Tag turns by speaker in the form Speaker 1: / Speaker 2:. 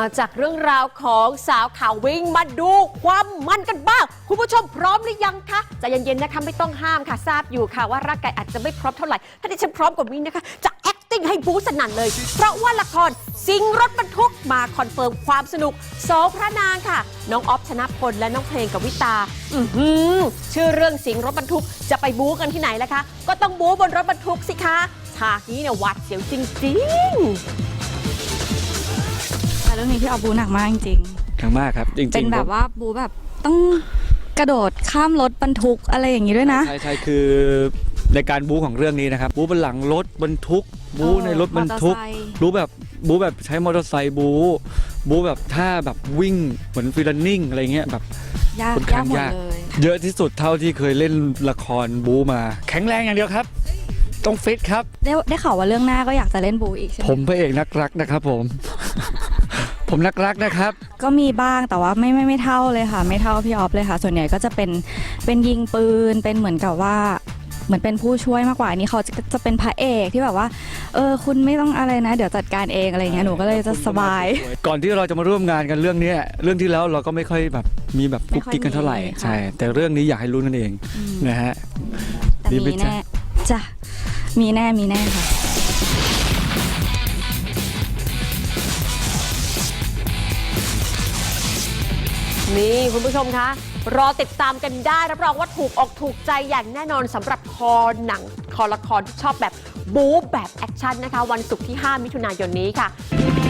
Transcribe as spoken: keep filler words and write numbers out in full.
Speaker 1: จากเรื่องราวของสาวข่าววิ่งมาดูความมันกันบ้างคุณผู้ชมพร้อมหรือยังคะใจเย็นๆนะคะไม่ต้องห้ามค่ะทราบอยู่ค่ะว่าร่างกายอาจจะไม่พร้อมเท่าไหร่ถ้าดิฉันพร้อมกว่านี้นะคะจะ acting ให้บู๊สนั่นเลยเพราะว่าละครสิงรถบรรทุกมาคอนเฟิร์มความสนุกสองพระนางค่ะน้องออฟชนะพลและน้องเพลงกวิตาอือหือชื่อเรื่องสิงรถบรรทุกจะไปบู๊กันที่ไหนล่ะคะก็ต้องบู๊บนรถบรรทุกสิคะฉากนี้เนี่ยหวาดเสียวจริงๆ
Speaker 2: เรื่องนี้พี่ออฟบูหนักมากจริง
Speaker 3: ๆหนักมากครับจริงๆ
Speaker 2: เป็นแบบว่าบูแบบต้องกระโดดข้ามรถบรรทุกอะไรอย่างนี้ด้วยนะ
Speaker 3: ใช่ใช่คือในการบูของเรื่องนี้นะครับบูบนหลังรถบรรทุกบูในรถบรรทุกบูแบบบูแบบใช้มอเตอร์ไซค์บูบูแบบท่าแบบวิ่งเหมือนฟรีลันนิ่งอะไรเงี้ยแบบ
Speaker 2: ยากยากหมดเลย
Speaker 3: เยอะที่สุดเท่าที่เคยเล่นละครบูมาแข็งแรงอย่างเดียวครับต้องฟิตครับ
Speaker 2: ได้ได้ข่าวว่าเรื่องหน้าก็อยากจะเล่นบูอีกใช่ไหม
Speaker 3: ผมพระเอกนักรักนะครับผม ผมนักรักนะครับ
Speaker 2: ก็มีบ้างแต่ว่าไม่ไม่ไม่เท่าเลยค่ะไม่เท่าพี่ออฟเลยค่ะส่วนใหญ่ก็จะเป็นเป็นยิงปืนเป็นเหมือนกับว่าเหมือนเป็นผู้ช่วยมากกว่านี้เขาจะจะเป็นพระเอกที่แบบว่าเออคุณไม่ต้องอะไรนะเดี๋ยวจัดการเองอะไรเงี้ยหนูก็เลยจะสบาย
Speaker 3: ก่อนที่เราจะมาร่วมงานกันเรื่องนี้เรื่องที่แล้วเราก็ไม่ค่อยแบบมีแบบกุ๊กกิ๊กกันเท่าไหร่ใช่แต่เรื่องนี้อยากให้รู้นั่นเองนะฮะ
Speaker 2: มีแน่จ้ะมีแน่มีแน่ค่ะ
Speaker 1: นี่คุณผู้ชมคะรอติดตามกันได้รับรองว่าถูกอกถูกใจอย่างแน่นอนสำหรับคอหนังคอละครที่ชอบแบบบู๊แบบแอคชั่นนะคะวันศุกร์ที่ห้ามิถุนายนนี้ค่ะ